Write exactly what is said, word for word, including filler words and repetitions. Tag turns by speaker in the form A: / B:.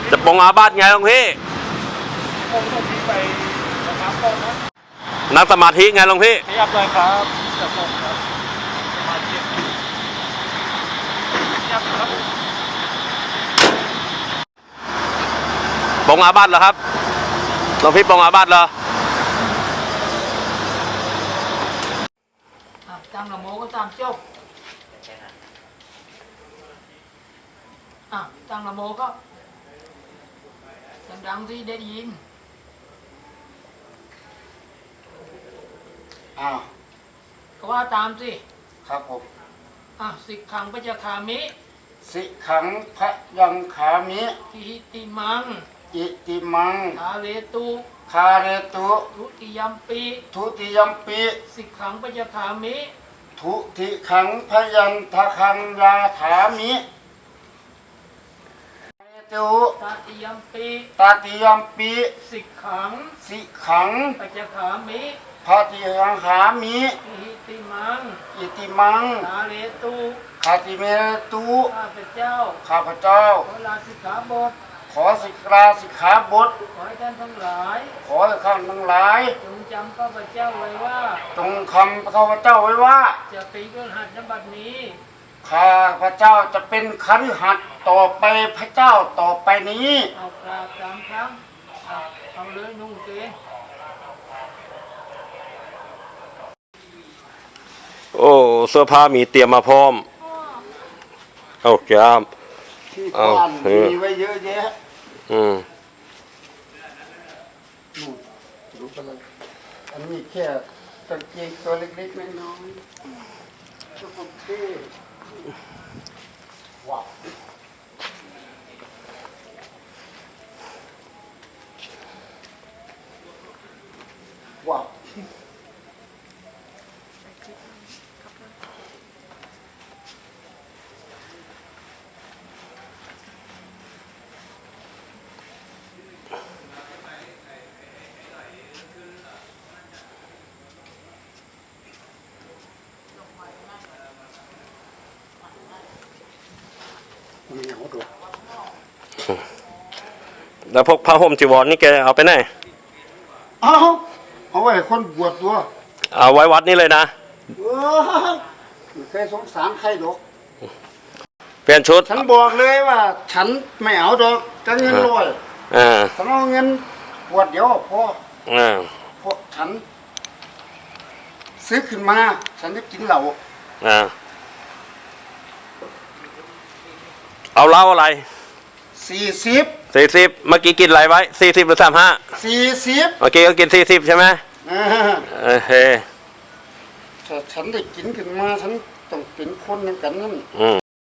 A: จะปองอาบัติไงหลวงพี่
B: ผมต้องมีไปนะครับก่อนนะ
A: นั่งสมาธิไงหลวงพี่
B: ขยับเลยครับจะส่งครับสมาธิขยับครับ
A: ปองอาบัติเหรอครับหลวงพี่ปองอาบัติเหรอ
C: ตั้งนะโมก็ตามจบอ่ะตั้งนะโมก็ดังๆที่ได้ยิน
D: อ้าว
C: ก็ว่าตามสิ
D: ครับผม
C: อ่ะสิกขังปัจจคามิ
D: สิขังพะยังขามิ
C: อิติมัง
D: อิติมัง
C: คาเลตุ
D: คาเรตุ
C: ทุติยัมปิ
D: ทุติยัมปิ
C: สิกขังปัจจคามิ
D: ทุติขังพยัญทคังยาถามิคาเรตุ
C: ตติยัมปิ
D: ตาติยัมปิ
C: สิกขัง
D: สิขัง
C: ปัจจคามิ
D: พาติยังขามิ
C: อิติมัง
D: อิติมัง
C: คาเลตุ
D: คาติเมตุ
C: ข้าพเจ้า
D: ข้าพเจ้า
C: ขอลาสิกขาบท
D: ขอสิกราสิกขาบท
C: ขอให้ท่านทั้งหลาย
D: ขอให้ข้าทั้งหลาย
C: จงจำข้าพเจ้าไว้ว่า
D: จงคำข้าพเจ้าไว้ว่า
C: จะปีกหัดนบัดนี้
D: ข้าพระเจ้าจะเป็นคฤหัสถ์ต่อไปพระเจ้าต่อไปนี้
C: เอากราบสามครั้งเอาเลยนุ่งเกง
A: โอ้เสื้อผ้ามีเตรียมมาพร้อมเอาจาม
D: ที่บ้านมีไว้เยอะแยะ
A: อืม
D: นู่นดูกันเลยอันนี้แค่กางเกงตัวเล็กๆน้อยๆชุดผมเท่ว้าวว้าว
A: แล้วพวกผ้าห่มจีวรนี่แกเอาไปไหน
D: เอาเอาไว้คนบวชตัว
A: เอาไว้วัดนี่เลยนะ
D: เออไม่เคยสงสารใครดอก
A: เปลี่ยนชุด
D: ฉันบอกเลยว่าฉันไม่เอาดอกจะเงินรวย
A: อ่า
D: ฉันเอาเงินบวชเดี๋ยวพอ
A: อ่า
D: พอฉันซื้อขึ้นมาฉันจะกินเหล้า
A: อ่าเอาเหล้าอะไร
D: สี่สิบ
A: สี่สิบเมื่อกี้กินอะไรไว้สี่สิบหรือสามห้า
D: สี่สิบ
A: เมื่อกี้ก็กินสี่สิบใช่ไหม
D: เออ
A: เฮ้
D: ถ้าฉันได้กินขึ้นมาฉันต้องเป็นคนเหมือนกันนั่น